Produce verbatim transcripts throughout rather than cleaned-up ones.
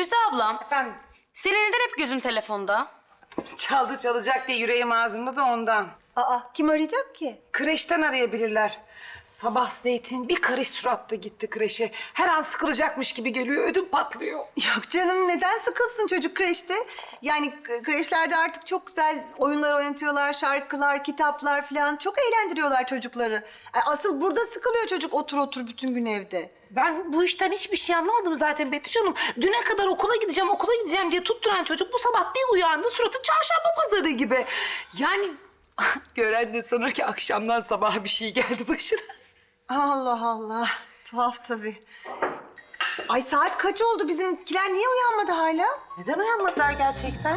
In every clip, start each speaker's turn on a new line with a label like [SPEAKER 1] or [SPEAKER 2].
[SPEAKER 1] Firuze ablam,
[SPEAKER 2] Efendim?
[SPEAKER 1] senin neden hep gözün telefonda?
[SPEAKER 2] Çaldı çalacak diye yüreğim ağzımda da ondan.
[SPEAKER 3] Aa, kim arayacak ki?
[SPEAKER 2] Kreşten arayabilirler. Sabah Zeytin bir karış suratla gitti kreşe. Her an sıkılacakmış gibi geliyor, ödüm patlıyor.
[SPEAKER 3] Yok canım, neden sıkılsın çocuk kreşte? Yani k- kreşlerde artık çok güzel oyunlar oynatıyorlar, şarkılar, kitaplar falan. Çok eğlendiriyorlar çocukları. Ay, asıl burada sıkılıyor çocuk otur otur bütün gün evde.
[SPEAKER 4] Ben bu işten hiçbir şey anlamadım zaten Betüş Hanım. Düne kadar okula gideceğim, okula gideceğim diye tutturan çocuk bu sabah bir uyandı, suratı çarşamba pazarı gibi. Yani
[SPEAKER 2] Gören de sanır ki akşamdan sabaha bir şey geldi başına.
[SPEAKER 3] Allah Allah, tuhaf tabii. Ay saat kaç oldu? Bizimkiler niye uyanmadı hala?
[SPEAKER 4] neden uyanmadılar gerçekten?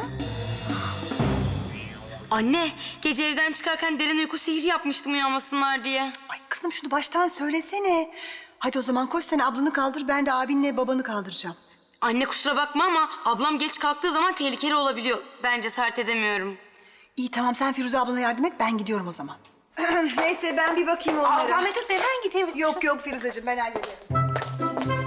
[SPEAKER 1] Anne, gece evden çıkarken derin uyku sihri yapmıştım uyanmasınlar diye.
[SPEAKER 3] Ay kızım şunu baştan söylesene. Hadi o zaman koş sen ablanı kaldır, ben de abinle babanı kaldıracağım.
[SPEAKER 1] Anne kusura bakma ama ablam geç kalktığı zaman tehlikeli olabiliyor. Ben cesaret edemiyorum.
[SPEAKER 3] İyi tamam, sen Firuze ablana yardım et, ben gidiyorum o zaman. Neyse ben bir bakayım onlara.
[SPEAKER 4] Aa, zahmet etme ben gideyim.
[SPEAKER 3] Yok yok Firuzeciğim, ben hallederim.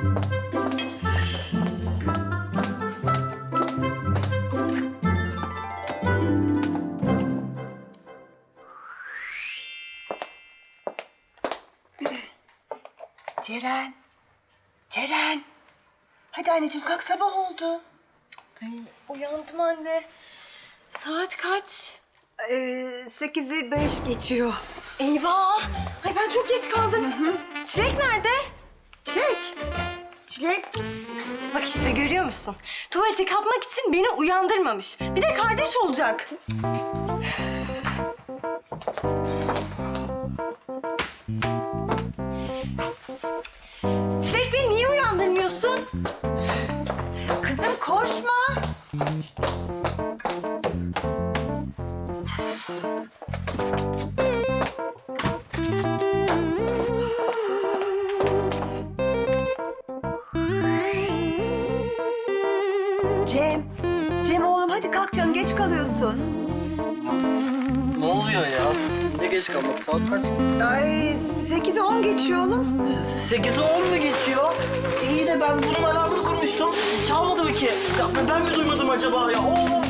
[SPEAKER 3] Ceren. Ceren. Hadi anneciğim kalk, sabah oldu.
[SPEAKER 1] Uyandım anne. Saat kaç?
[SPEAKER 3] Ee, sekizi beş geçiyor.
[SPEAKER 1] Eyvah! Ay ben çok geç kaldım. Çilek nerede?
[SPEAKER 3] Çilek. Çilek.
[SPEAKER 1] Bak işte görüyor musun? Tuvalete kapmak için beni uyandırmamış. Bir de kardeş olacak. Çilek beni niye uyandırmıyorsun?
[SPEAKER 3] Kızım koşma. Cem. Cem oğlum hadi kalk canım, geç kalıyorsun.
[SPEAKER 5] Ne oluyor ya? Ne geç kalması? Saat kaç?
[SPEAKER 3] Ay sekizi on geçiyor oğlum.
[SPEAKER 5] Sekizi on mu geçiyor? İyi de ben bunun alarmını kurmuştum. Çalmadı mı ki? Ya ben mi duymadım acaba ya? Oo!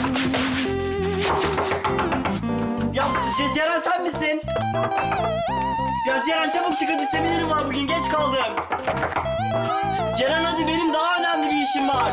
[SPEAKER 5] Ya Ce- Ceren sen misin? Ya Ceren çabuk çık hadi, seminerim var bugün, geç kaldım. Ceren hadi, benim daha önemli bir işim var.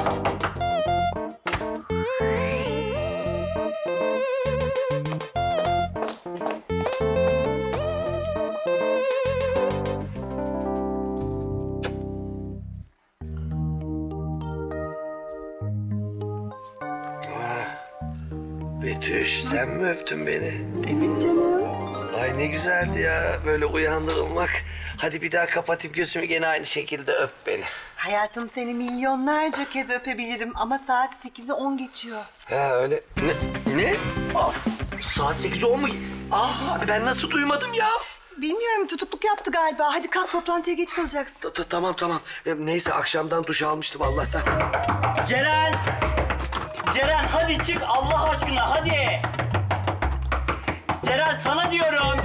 [SPEAKER 6] Betüş, sen mi öptün beni?
[SPEAKER 3] Evet canım.
[SPEAKER 6] Ay ne güzeldi ya böyle uyandırılmak. Hadi bir daha kapatayım gözümü, gene aynı şekilde öp beni.
[SPEAKER 3] Hayatım seni milyonlarca kez öpebilirim ama saat sekizi on geçiyor.
[SPEAKER 6] Ha öyle. Ne? Ne? Aa, saat sekiz on mu? Aa ben nasıl duymadım ya?
[SPEAKER 3] Bilmiyorum, tutukluk yaptı galiba. Hadi kalk, toplantıya geç kalacaksın.
[SPEAKER 6] Ta- ta- Tamam tamam. E, Neyse akşamdan duş almıştım Allah'tan.
[SPEAKER 5] Ceren! Ceren hadi çık Allah aşkına, hadi! Ceren sana diyorum.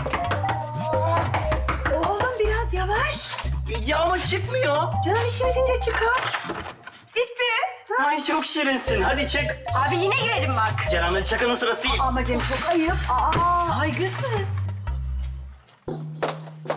[SPEAKER 3] Oğlum biraz yavaş.
[SPEAKER 5] Ya ama çıkmıyor.
[SPEAKER 3] Canım işim bitince çıkar.
[SPEAKER 5] Bitti. Ay çok şirinsin. Hadi çık.
[SPEAKER 1] Abi yine girelim bak.
[SPEAKER 5] Ceren'le şakanın sırası değil.
[SPEAKER 3] Ama Cem çok ayıp. Aa.
[SPEAKER 1] Saygısız.